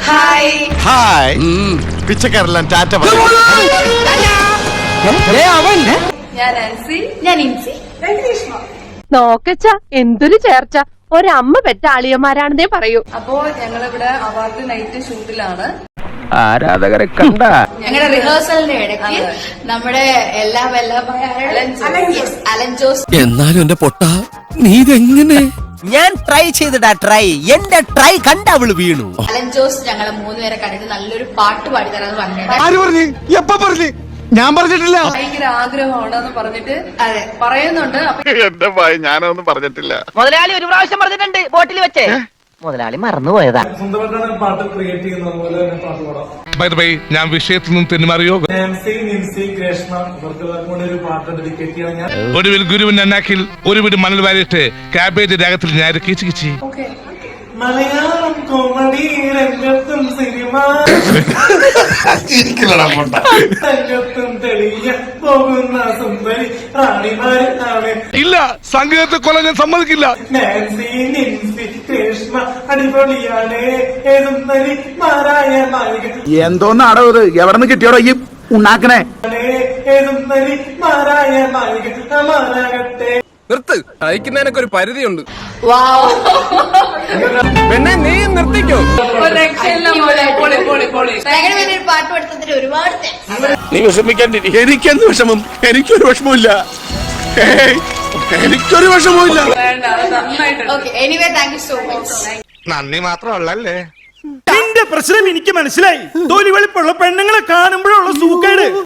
Hi hi പിച്ചക്കാരെല്ലാം Tata പറയും. ഞാൻ ആൻസി. ഞാൻ ഇൻസി. നോക്കച്ച എന്തൊരു ചേർച്ച, ഒരമ്മ പെറ്റ ആളിയന്മാരാണെന്നേ പറയൂ. അപ്പോ ഞങ്ങളിവിടെ അവാർഡ് നൈറ്റ് ഷൂട്ടിലാണ്. ആരാധകരെ കണ്ട ഞങ്ങളുടെ റിഹേഴ്സലിന്റെ ഇടയ്ക്ക് നമ്മുടെ എല്ലാ അലൻ ജോസ്. എന്നാലും എന്റെ പൊട്ട നീ ഇതെങ്ങനെ? ഞാൻ ട്രൈ ചെയ്തിടാ ട്രൈ എന്റെ ട്രൈ കണ്ട അവള് വീണു. അലൻ ജോസ് ഞങ്ങളെ മൂന്നുപേരെ കണ്ടിട്ട് നല്ലൊരു പാട്ട് പാടിത്തരാന്ന് പറഞ്ഞിട്ട് ആര് പറഞ്ഞു? എപ്പ പറഞ്ഞു? ഞാൻ പറഞ്ഞിട്ടില്ല. ഭയങ്കര ആഗ്രഹമാണെന്ന് പറഞ്ഞിട്ട് അതെ പറയുന്നുണ്ട്. എന്റെ ഭയ ഞാനൊന്നും പറഞ്ഞിട്ടില്ല. മുതലാളി ഒരു പ്രാവശ്യം പറഞ്ഞിട്ടുണ്ട് ബോട്ടിൽ വെച്ചേ. മുതലാളി മറന്നുപോയതാ. സ്വന്തമായിട്ടാണ് പാട്ട് ക്രിയേറ്റ് ചെയ്യുന്നത്, അതുപോലെ തന്നെ പാട്ട് പാടാം. ബൈ ദ വേ, ഞാൻ വിഷയത്തിൽ നിന്ന് തെന്നുമാറിയോ? നാൻസി, നിൻസി, ഗ്രേഷ്മ ഇവർക്ക് കൂടെ ഒരു പാട്ട് ഡെഡിക്കേറ്റ് ചെയ്യാൻ ഞാൻ ഒടുവിൽ ഗുരുവിൻ അന്നാക്കിൽ ഒരു വീട് മണൽ വാരിയിട്ട് കാബേജ് രാഗത്തിൽ ഞാൻ കിച്ച് കിച്ചി. ഓക്കെ മലയാളം കോമഡി രംഗത്തും സിനിമ രംഗത്തും തെളിയ പോകുന്ന സുന്ദരി റാണിമാരാണ്. ഇല്ല, സംഗീതത്തെ കൊല്ലാൻ ഞാൻ സമ്മതിക്കില്ല. നാൻസി, നിൻസി, ഗ്രേഷ്മ അടിപൊളിയാണ്. ഏതുന്നരി മാറായ മാലിക എന്തോന്നാടോ ഇത്? എവിടെ നിന്ന് കിട്ടിയോടോ ഈ ഉണ്ടാക്കണേ? ഏതുന്നരി മാറായ മാലിക മാറാകട്ടെ. നിർത്ത്, അയക്കുന്നതിനൊക്കെ ഒരു പരിധിയുണ്ട്. വാവ് പെണ്ണെ നീ നിർത്തിക്കോ. ഞങ്ങളുടെ വേണ്ടി ഒരു പാട്ട് പഠിത്തത്തിന് ഒരുപാട് thanks. നീ വിഷമിക്കാണ്ടിരി. എനിക്കെന്ത് വിഷമം? എനിക്കൊരു വിഷമമില്ല. എനിക്കൊരു വിഷമമില്ല. Okay, anyway, thank you so much. നന്ദി മാത്രമല്ലേ. നിന്റെ പ്രശ്നം എനിക്ക് മനസ്സിലായി. തൊലി വെളുപ്പുള്ള പെണ്ണുങ്ങളെ കാണുമ്പോഴുള്ള സൂക്കേട്